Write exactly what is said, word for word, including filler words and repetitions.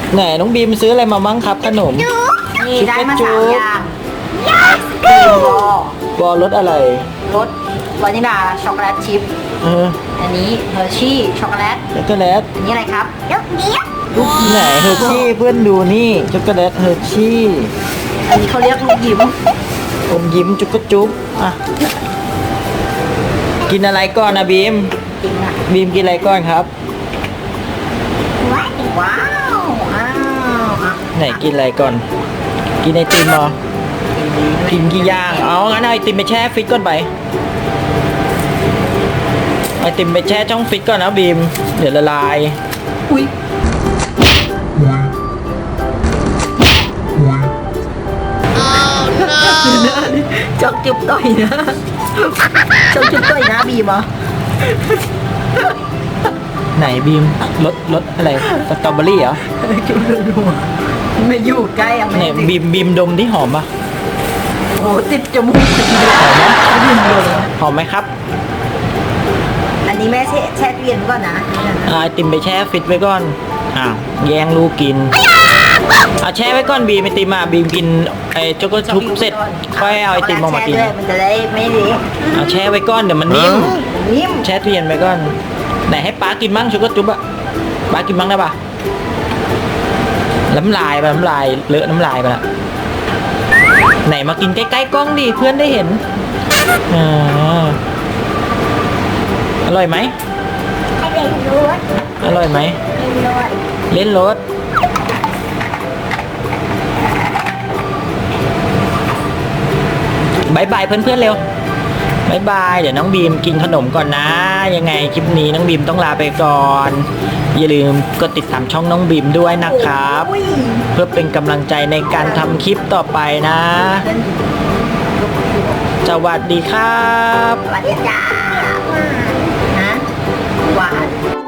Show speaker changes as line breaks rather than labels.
ไหนน้องบีมซื้ออะไรมาบ้างครับขนม
นี่
ชุบ
ได้
กระ
มา
จุ
สาม
ก
อย่างบีมวอ
บอลรสอะไร
รสวานิลาช็อกโกแลตชิพ
เออ
อันนี้เฮอร์ชี่ช็อกโกแลต
ช็อกโกแลต
อันนี้อะไรครับลูกเดียว
ลูกไหนเฮอร์ชี่เพื่อนดูนี่ช็อกโกแลตเฮอร์ชี่
อันนี้เขาเรียกลูกยิ้ม
อมยิ้มจุกกระจุ๊บอ่ะกินอะไรก่อนนะบีม
จริงอ่ะ
บีมกินอะไรก่อนครับ
ว้าวว้าวอ้าวอ่ะ
ไหนกินอะไรก่อน กินไอติมเหรอกินกี่อย่างเอางั้นเอาไอติมไปแช่ฟิตก่อนไปไอติมไปแช่ช่องฟิตก่อนนะบีมเดี๋ยวละลาย
อุ้ยจอกจุบต่อยนะจอกจุบต่อยนะบีมเหรอ
ไหนบีมรสรสอะไรสตรอเบอรี่เหรอ
จุบรัวๆไม่อยู่ใกล้อ่ะ
ไหน
ไม่ติด
บีมบีมดมที่หอมปะ
โอ้ติดจมูก
หอมไหมหอมไหมครับ
อันนี้แม่แช่แช่ตู้เย็นก่อนนะ
เอาไอติมไปแช่ฟิตไว้ก่อนอ้าวแย่งลูกกินเอาแช่ไว้ก่อนบีมไอติมอ่ะบีมกินไอช็อกโกชุบเสร็จค่อยเอาไอติมออกมากิน
แช่ด้วยมันจะได้ไม่เละ
เอาแช่ไว้ก่อนเดี๋ยวมันนิ่ม
นิ่ม
แช่ตู้เย็นไว้ก่อนไหนให้ป้ากินบ้างช็อกโกจุ๊บอะป้ากินบ้างได้ปะน้ำลายไปน้ำลายเลอะน้ำลายไปละไหนมากินใกล้ๆกล้องดิเพื่อนได้เห็นอ่าอร่อยไหม
ให้เด็กรส
อร่อยไหม
เล่นรส
เล่นรถบายบายเพื่อนๆเร็วบายบายเดี๋ยวน้องบีมกินขนมก่อนนะยังไงคลิปนี้น้องบีมต้องลาไปก่อนอย่าลืมกดติดตามช่องน้องบีมด้วยนะครับ
อุ้ย
เพื่อเป็นกำลังใจในการทำคลิปต่อไปนะ สวัสดีครับ
สวัสดีจ้าฮะหวาน